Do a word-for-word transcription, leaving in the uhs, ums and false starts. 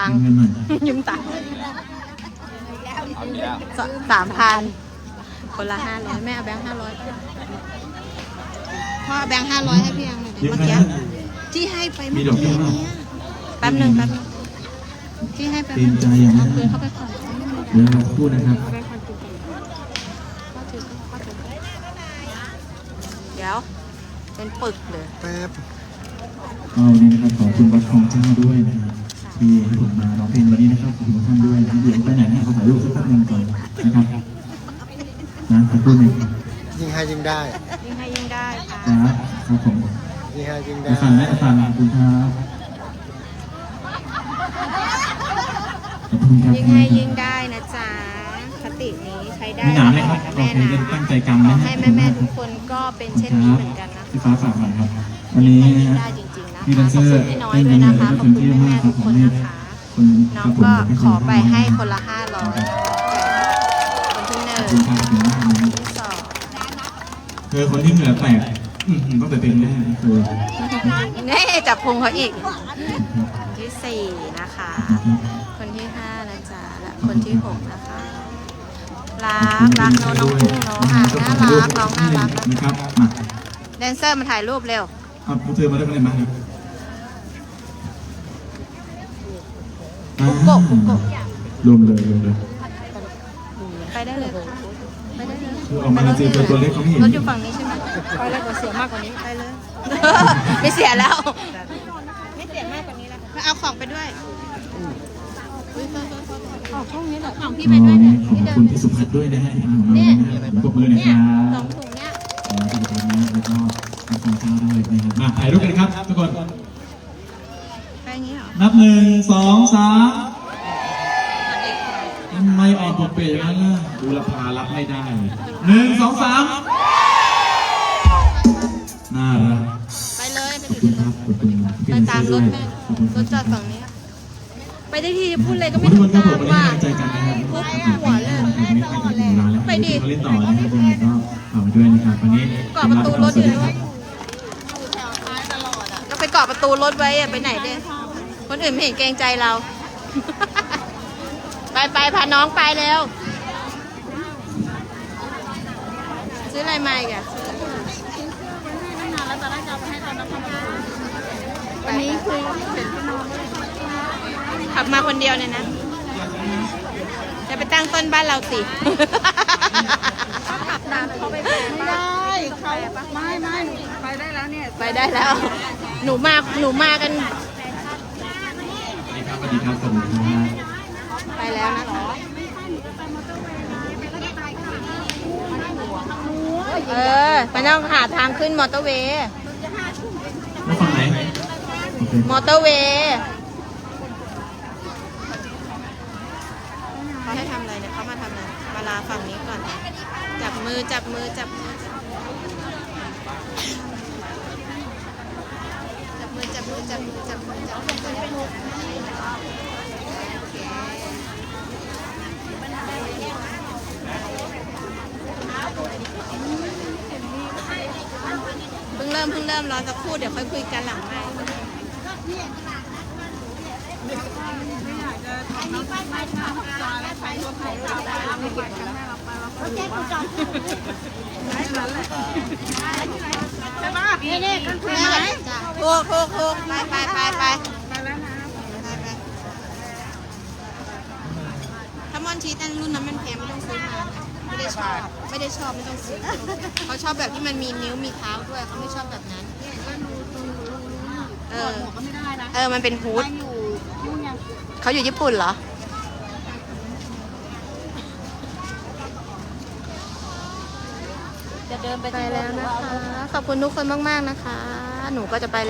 ตังค์เงินหน่อยยืมตังค์สามพันคนละห้าร้อยแม่เอาแบงค์ห้าร้อยพ่อเอาแบงค์ห้าร้อยให้พี่ยังหน่อยดิยืมเมื่อใครกี้นะที่ให้ไปมีเมื่อดอกกี้เบี้ยเนี่ยแป๊บหนึ่งแป๊บหนึงที่ให้ไปเตรียมใจอย่างนั้นเอาคืนเขาไปก่อนเดี๋ยวเราพูดนะครับเอาไปก่อนกินก่อนพ่อถือพ่อถือเดี๋ยวเป็นปึกเลยแป๊บเอาวันนี้นะครับขอบคุณวัดคลองเจ้าด้วยนะครับที่ให้ผมมาร้องเพลงวันนี้นะครับขอบคุณท่านด้วยนะครับเดี๋ยวไปไหนเนี่ยขอถ่ายรูปสักแป๊บนึงก่อนนะครับนะขอบคุณหนึ่งยิงให้ยิงได้ยิ่งให้ยิ่งได้ค่ะครับครับผมยิงให้ยิงได้อาฟันและอาฟันขอบคุณครับขอบคุณครับยิ่งให้ยิ่งได้นะจ๊ะคตินี้ใช้ได้มีหนามไหมครับโอแม่เคนะจะตั้งใจกำนะให้แม่แม่ๆทุกคนก็เป็นเช่นนี้เหมือนกันนะพี่ฟ้าฝากหน่อยครับวันนี้ให้ยิ่งนะได้จริงๆนะพี่แดคะนขเซออบคุร์ณพี่น้อยด้วยนะคะขอบคุณแม่แม่ๆทุกคนนะคะคุณน้องก็ขอไปให้คนละห้าร้อยนะคะคนที่หนึ่งขอบคุณครับขอบคุณมากนะที่สองเธอคนที่เหนือแตกอืมก็ไปเป็นแม่เธอนี่จับพุงเขาอีกคนที่สี่นะคะ คนที่ห้านะจ๊ะและคนที่หกนะคะรักรักน้องน้องกุ้งเนาะค่ะน่ารักน้องน่ารักนะนะครับมาแดนเซอร์มาถ่ายรูปเร็วเอาพวกเธอมาได้ไหมมาครับปุ๊กโกะปุ๊กโกะรวมเลยรวมเลยไปได้เลยค่ะไปได้เลยคือออกมาเจอตัวตัวเล็กเขาไม่เห็นรถอยู่ฝั่งนี้ใช่ไหมไปเลยเสียมากกว่านี้ไปเลย ไม่เสียแล้ว ไม่เสียมากกว่านี้แล้วมาเอาของไปด้วยของช่องนี้เหรอของพี่ไปด้วยเนี่ยขอบคุณพี่สุภัทรด้วยนะฮะเนี่ยผมปรบมือหน่อยคเนี่ยรับสองถุงเนี่ยขอบคุณนะแล้วก็ขอบคุณเจ้าด้วยนะครับมาถ่ายรูปกันครับทุกคนไปอย่างนี้เหรอนับหนึ่งสองสามทำไมออกปกเปย์อย่างนั้นล่ะดูราคารับไม่ได้หนึ่งสองสามน่ารักไปเลยไปขอบถึคุณงครับขอบคุณพี่ไปแดนเซตาอมร์รด้วถยแม่ขอบคุณครรับถจอดฝั่งนี้ ไปได้ทีพูดอะไรก็ขอไม่บทุกถูคกนครับผมวันนี้ต้องว่าให้กำลังใจกันนะครับพูดหัวเลยไม่ไม่ไม่ถึงร้านแล้วไปดีเขาเล่นต่อนะครับยังไงก็ฝากไว้ด้วยนะครับวันนี้เกาะประตูรถอยู่คเลรัยบก็ไปเกาะประตูรถไว้อะไปไหนเด้คนอื่นไม่เห็นเกรงใจเรา ไปไปพาน้องไปเร็ว ซื้ออะไรมาอีกอะวันนี้คือขับมาคนเดียวเนี่ยนะ จะไปตั้งต้นบ้านเราสิขับตามเขาไปไม่ได้เขาไม่ไม่ไปได้แล้วเนี่ย ไปได้แล้ว หนูมา หนูมากันสวัสดีครับสวัสดีครับไปแล้วนะคะเออมันต้องหาทางขึ้นมอเตอร์เวย์แล้วฝั่งไหนโอเคมอเตอร์เวย์เขาให้ทำอะไรเนี่ยเขามาทำอะไรมาลาฝั่งนี้ก่อน จับมือจับมือจับมือจับมือจับมือจับมือจับมือจับมือจับมือโอเคเพิ่งเริ่มเพิ่งเริ่มรอสักครู่เดี๋ยวค่อยคุยกันหลังไมค์นี่นี่กันคือไหมถูกถูกถูกไปไปไปไปถ้ามอนชีสอันรุ่นนั้นมันแพงไม่ต้องซื้อมาไม่ได้ชอบไม่ได้ชอบไม่ต้องซื้อเขาชอบแบบที่มันมีนิ้วมีเท้าด้วยเขาไม่ชอบแบบนั้นเออเออมันเป็นฮูดเขาอยู่ญี่ปุ่นเหรอจะเดินไปแล้วนะคะขอบคุณทุกคนมากๆนะคะหนูก็จะไป